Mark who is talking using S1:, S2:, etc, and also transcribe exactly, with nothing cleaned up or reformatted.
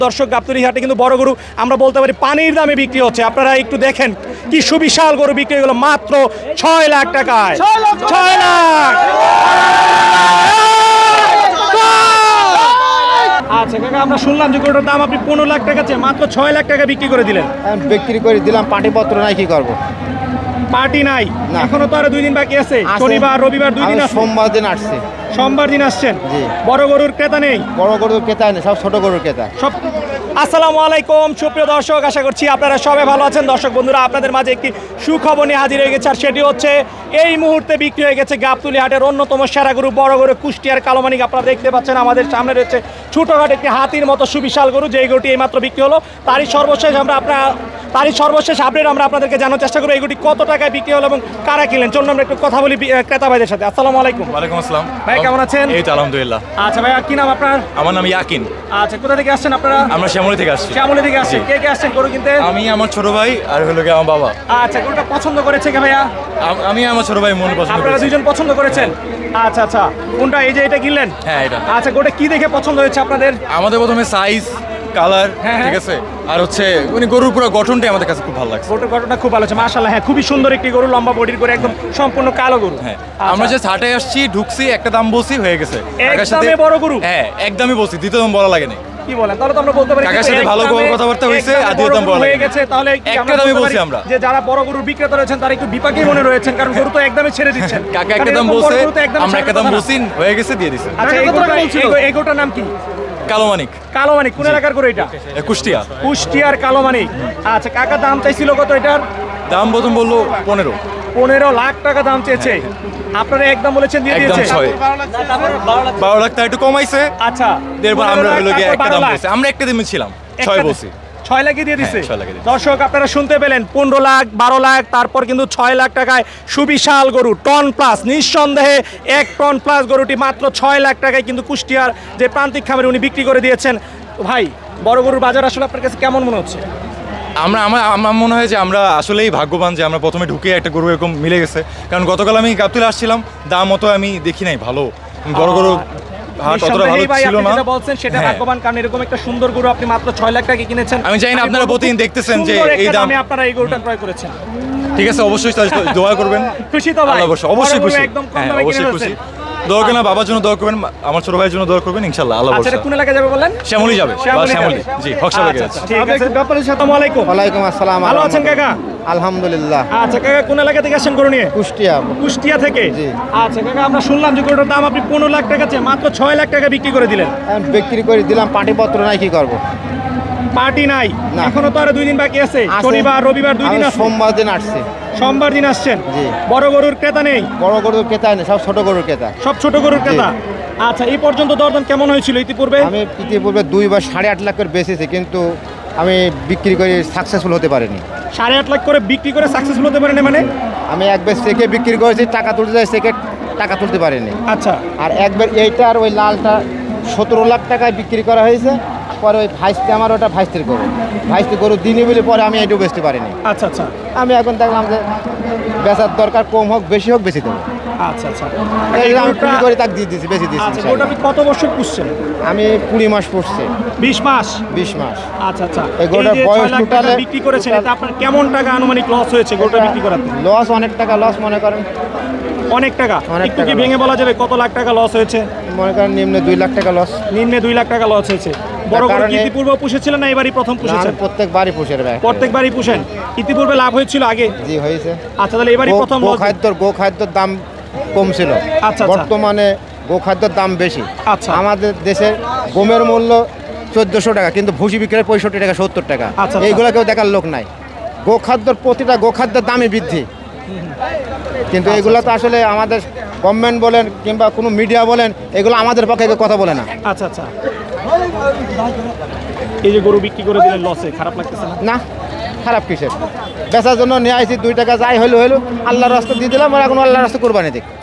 S1: দর্শক গাবতলী হাটে কিন্তু বড় গরু আমরা বলতে পারি পানির দামে বিক্রি হচ্ছে। আপনারা একটু দেখেন কি সুবিশাল গরু বিক্রি হলো মাত্র ছয় লাখ টাকায়। ছয় লাখ। আচ্ছা কাকা, আমরা শুনলাম যে গরুটার দাম আপনি পনেরো লাখ টাকা চেয়ে মাত্র ছয় লাখ টাকা বিক্রি করে দিলেন।
S2: বিক্রি করে দিলাম, পাটিপত্র নাই, কি করবো?
S1: পার্টি নাই
S2: না।
S1: এখনো তো আরো দুই দিন বাকি আছে, শনিবার রবিবার দুই দিন আছে।
S2: সোমবার দিন আসছে,
S1: সোমবার দিন আসছেন।
S2: জি।
S1: বড় গরুর ক্রেতা নেই,
S2: বড় গরুর ক্রেতা নেই, সব ছোট গরুর ক্রেতা।
S1: সব। আসসালামু আলাইকুম সুপ্রিয় দর্শক, আশা করছি আপনারা সবাই ভালো আছেন। দর্শক বন্ধুরা, আপনাদের মাঝে একটি সুখবর নিয়ে হাজির হয়ে গেছে, আর সেটি হচ্ছে এই মুহূর্তে বিক্রি হয়ে গেছে গাবতলী হাটের অন্যতম সেরা গরু বড় গরু কুষ্টিয়ার কালোমানিক। আপনারা দেখতে পাচ্ছেন আমাদের সামনে রয়েছে ছোটখাটো একটি হাতির মতো সুবিশাল গরু, যেই গরুটি এইমাত্র বিক্রি হলো। তারই সর্বশেষ আমরা আপনার তারই সর্বশেষ আপডেট আমরা আপনাদেরকে জানার চেষ্টা করবো এই গরুটি কত টাকায় বিক্রি হলো এবং কারা কিনলেন। চলুন আমরা একটু কথা বলি বি- ক্রেতা ভাইদের সাথে। আসসালামু আলাইকুম।
S3: ওয়ালাইকুম আসসালাম।
S1: ভাই কেমন আছেন?
S3: এই তো আলহামদুলিল্লাহ।
S1: আচ্ছা ভাইয়া, কি নাম আপনার?
S3: আমার নাম ইয়াকিন।
S1: আচ্ছা, কোথা থেকে আসছেন আপনারা?
S3: আমরা শ্যামলী থেকে আসছি।
S1: শ্যামলী থেকে আসছেন। কে কে আসছেন গরু কিনতে?
S3: আমি, আমার ছোট ভাই আর হলো গিয়ে আমার বাবা।
S1: আচ্ছা, গরুটা পছন্দ করেছে কে ভাইয়া?
S3: আম- আমি আমার ছোট ভাই মন পছন্দ
S1: আপনারা
S3: করেছি।
S1: দুইজন পছন্দ করেছেন? আচ্ছা আচ্ছা, কোনটা? এই যে এটা কিনলেন?
S3: হ্যাঁ, এটা
S1: আচ্ছা, গরুটা কি দেখে পছন্দ হয়েছে আপনাদের?
S3: আমাদের প্রথমে সাইজ, কালার,
S1: হ্যাঁ, হ্যাঁ।
S3: ঠিক আছে, আর হচ্ছে মানে গরুর পুরো গঠনটাই আমাদের কাছে খুব ভালো লাগছে।
S1: গরুটার গঠনটা খুব ভালো আছে মাশাআল্লাহ। হ্যাঁ, খুবই সুন্দর একটি গরু, লম্বা বডির করে, একদম সম্পূর্ণ কালো গরু।
S3: হ্যাঁ,
S1: আচ্ছা।
S3: আমরা যে হাটে আসছি, ঢুকছি, একটা দাম বলছি, হয়ে গেছে। কাকার সাথে
S1: একদমই বড় গরু?
S3: হ্যাঁ, একদমই বলছি, দ্বিতীয় দাম বলা লাগেনি।
S1: কি বলেন? তাহলে তো আমরা বলতে পারি
S3: কাকার
S1: কিন্তু
S3: সাথে
S1: এক
S3: ভালো
S1: দামে-
S3: কথাবার্তা হয়েছে,
S1: এক দামে
S3: আর দ্বিতীয়
S1: বড়
S3: দাম
S1: গরু
S3: বলা
S1: হয়ে
S3: লাগেনি।
S1: গেছে, তাহলে কি
S3: একটা
S1: আমরা
S3: দামই
S1: বলতে
S3: বলছি
S1: পারি
S3: আমরা।
S1: যে যারা বড় গরুর বিক্রেতা রয়েছেন তারা একটু বিপাকেই মনে রয়েছেন, কারণ গরু তো একদমই ছেড়ে দিচ্ছেন।
S3: কাকা
S1: কারণ
S3: একটা দাম
S1: এরকম বড়
S3: বলছে,
S1: গরু তো একদমই
S3: আমরা
S1: ছাড়ার
S3: একটা দাম
S1: কথা না।
S3: বলছি, হয়ে গেছে, দিয়ে দিছে।
S1: আচ্ছা, এই গরুটা- এই গরু- এই গরুটার নাম কি?
S3: কালো মানিক,
S1: কালো মানিক। কোন এলাকার গরু এটা?
S3: এ, কুষ্টিয়া।
S1: কুষ্টিয়ার কালো মানিক। আচ্ছা, কাকা দাম চাইছিল কত এটার?
S3: দাম প্রথম বললো পনেরো,
S1: পনেরো লাখ টাকা দাম চেয়েছে। আপনারা একদম বলেছেন দিয়ে
S3: একদম
S1: দিয়েছে।
S3: ছয়, বারো লাখ টাকা একটু কমাইছে।
S1: আচ্ছা,
S3: এরপর আমরা
S1: পনেরো লাখ,
S3: হলো গিয়ে
S1: তারপর
S3: একটা
S1: বারো
S3: দাম
S1: লাখ।
S3: বলছি, আমরা একটা দামে ছিলাম,
S1: একটা
S3: ছয়
S1: দাম-
S3: বলছি।
S1: ছয় লাখে দিয়ে দিছে।
S3: হ্যাঁ, ছয় লাখে দিছে।
S1: দর্শক আপনারা শুনতে পেলেন, পনেরো লাখ, বারো লাখ, তারপর কিন্তু ছয় লাখ টাকায় সুবিশাল গরু, টন প্লাস, নিঃসন্দেহে এক টন প্লাস গরুটি মাত্র ছয় লাখ টাকায় কিন্তু কুষ্টিয়ার যে প্রান্তিক খামারে উনি বিক্রি করে দিয়েছেন। তো ভাই, বড় গরুর বাজার আসলে আপনার কাছে কেমন মনে হচ্ছে?
S3: আমরা আমার আমার মনে হয় যে আমরা আসলেই ভাগ্যবান যে আমরা প্রথমে ঢুকে একটা গরু এরকম মিলে গেছে। কারণ গতকাল আমি গাবতলী আসছিলাম, দাম অত আমি দেখি নাই ভালো, বড় গরু হাট অতটা ভালো
S1: নিঃসন্দেহেই ভাই
S3: ছিল
S1: আপনি
S3: না।
S1: যেটা বলছেন সেটা
S3: হ্যাঁ।
S1: ভাগ্যবান, কারণ এরকম একটা সুন্দর গরু আপনি মাত্র ছয় লাখ টাকা কিনেছেন।
S3: আমি জানি না
S1: আমি
S3: আপনারা
S1: বলবো
S3: প্রতিদিন
S1: খুব
S3: দেখতেছেন যে
S1: সুন্দর
S3: এই
S1: একটা
S3: দাম।
S1: দামে আপনারা এই গরুটা ক্রয় করেছেন।
S3: ঠিক আছে, অবশ্যই তাহলে দোয়া করবেন।
S1: খুশি তো ভাই?
S3: আল্লাহ অবশ্যই অবশ্যই
S1: বড় গরু
S3: খুশি।
S1: একদম কম
S3: হ্যাঁ,
S1: দামে কিনে
S3: অবশ্যই খুশি।
S1: ফেলছেন।
S3: দোয়া করবেন, বাবার জন্য দোয়া করবেন, আমার ছোট ভাইয়ের জন্য দোয়া করবেন, ইনশাআল্লাহ আল্লাহ
S1: আচ্ছা, এটা
S3: ভরসা।
S1: কোন এলাকায় যাবে বলেন?
S3: শ্যামলী যাবে, বা
S1: শ্যামলী
S3: শ্যামলী,
S1: যাবে।
S3: জি, হকসাবে
S1: আচ্ছা,
S3: গেছে।
S1: আচ্ছা, ঠিক আছে। আসসালামু আলাইকুম।
S2: ওয়ালাইকুম আসসালাম।
S1: ভালো আছেন কাকা?
S2: আলহামদুলিল্লাহ।
S1: আচ্ছা কাকা, কোন এলাকা থেকে আসছেন গরু নিয়ে?
S2: কুষ্টিয়া।
S1: কুষ্টিয়া থেকে?
S2: জি।
S1: আচ্ছা কাকা, আমরা শুনলাম যে গরুটার দাম আপনি পনেরো লাখ টাকা চেয়ে মাত্র ছয় লাখ টাকা বিক্রি করে দিলেন।
S2: আমি বিক্রি করে দিলাম, পাটিপত্র নাই, কি করবো?
S1: পার্টি নাই
S2: না।
S1: এখনো তো আরো দুই দিন বাকি আছে,
S2: আছে।
S1: শনিবার রবিবার দুই দিন
S2: আমি
S1: আছে।
S2: সোমবার দিন আসছে,
S1: সোমবার দিন আসছেন।
S2: জি।
S1: বড় গরুর ক্রেতা নেই,
S2: বড় গরুর ক্রেতা নেই, সব ছোট গরুর ক্রেতা।
S1: সব ছোট গরুর ক্রেতা। আচ্ছা, এই পর্যন্ত দরদাম কেমন হয়েছিল ইতিপূর্বে?
S2: আমি ইতিপূর্বে দুই বা সাড়ে আট লাখ করে বেচেছি, কিন্তু আমি বিক্রি করে সাকসেসফুল হতে পারিনি।
S1: সাড়ে আট লাখ করে বিক্রি করে সাকসেসফুল হতে পারেন মানে?
S2: আমি একবার চেকে বিক্রি করেছি, টাকা তুলতে যাই, চেকে টাকা তুলতে পারিনি।
S1: আচ্ছা
S2: আর একবার এইটা আর ওই লালটা সতেরো লাখ টাকায় বিক্রি করা হয়েছে। পরে ওই ভাইস্তি, আমার ওটা ভাইস্তির গরু, ভাইস্তি গরু দিনই বলে পরে আমি এটাও বেচতে পারিনি।
S1: আচ্ছা আচ্ছা
S2: আমি এখন দেখলাম যে বেচার দরকার, কম হোক বেশি হোক বেশি দেবো।
S1: আচ্ছা আচ্ছা
S2: এই
S1: এই
S2: যে আমি
S1: গরুটা-
S2: কুড়ি করে তাকে দিয়ে দিয়েছি, বেশি দিয়েছি।
S1: আচ্ছা, গরুটা আপনি কত বছর পুষছেন?
S2: আমি কুড়ি মাস পড়ছে,
S1: বিশ মাস।
S2: বিশ মাস।
S1: আচ্ছা আচ্ছা,
S2: এই গরুটার
S1: যে
S2: বয়স
S1: ছয় লাখ টাকা
S2: টোটালে-
S1: বিক্রি করেছেন, এটা আপনার কেমন টাকা আনুমানিক লস হয়েছে গরুটা বিক্রি করাতে?
S2: লস অনেক টাকা লস, মনে করেন
S1: অনেক টাকা।
S2: অনেক
S1: একটু কি
S2: টাকা
S1: ভেঙে বলা যাবে কত লাখ টাকা লস হয়েছে?
S2: মনে করেন নিম্নে দুই লাখ টাকা লস।
S1: নিম্নে দুই লাখ টাকা লস হয়েছে। বড় গরু
S2: কারণে-
S1: কি ইতিপূর্বে পুষেছিলেন না এবারই প্রথম পুষেছেন?
S2: প্রত্যেক বাড়ি পুষের ব্যাগ
S1: প্রত্যেকবারই পুষেন। ইতিপূর্বে লাভ হয়েছিল আগে?
S2: জি হয়েছে।
S1: আচ্ছা, তাহলে এবারই প্রথম
S2: গো
S1: লস।
S2: খাদ্যর গো খাদ্যর দাম কম ছিল,
S1: আচ্ছা।
S2: বর্তমানে গো খাদ্যর দাম বেশি।
S1: আচ্ছা।
S2: আমাদের দেশের গমের মূল্য চোদ্দশো টাকা, কিন্তু ভুসি বিক্রি পঁয়ষট্টি টাকা, সত্তর টাকা।
S1: আচ্ছা।
S2: এইগুলো কেউ দেখার লোক নাই। গো খাদ্যর প্রতিটা গো খাদ্যের দামই বৃদ্ধি, কিন্তু এগুলো তো আসলে আমাদের গভর্নমেন্ট বলেন কিংবা কোনো মিডিয়া বলেন, এগুলো আমাদের পক্ষে কেউ কথা বলে না।
S1: আচ্ছা আচ্ছা, এই যে গরু বিক্রি করে দিলেন লসে, খারাপ লাগতেছে না?
S2: না, খারাপ কিসের? বেচার জন্য নিয়ে আসি, দুই টাকা যাই হইলো হইলো, আল্লাহর রাস্তা দিয়ে দিলাম, আর এখন আল্লাহর রাস্তা কোরবানি দিক।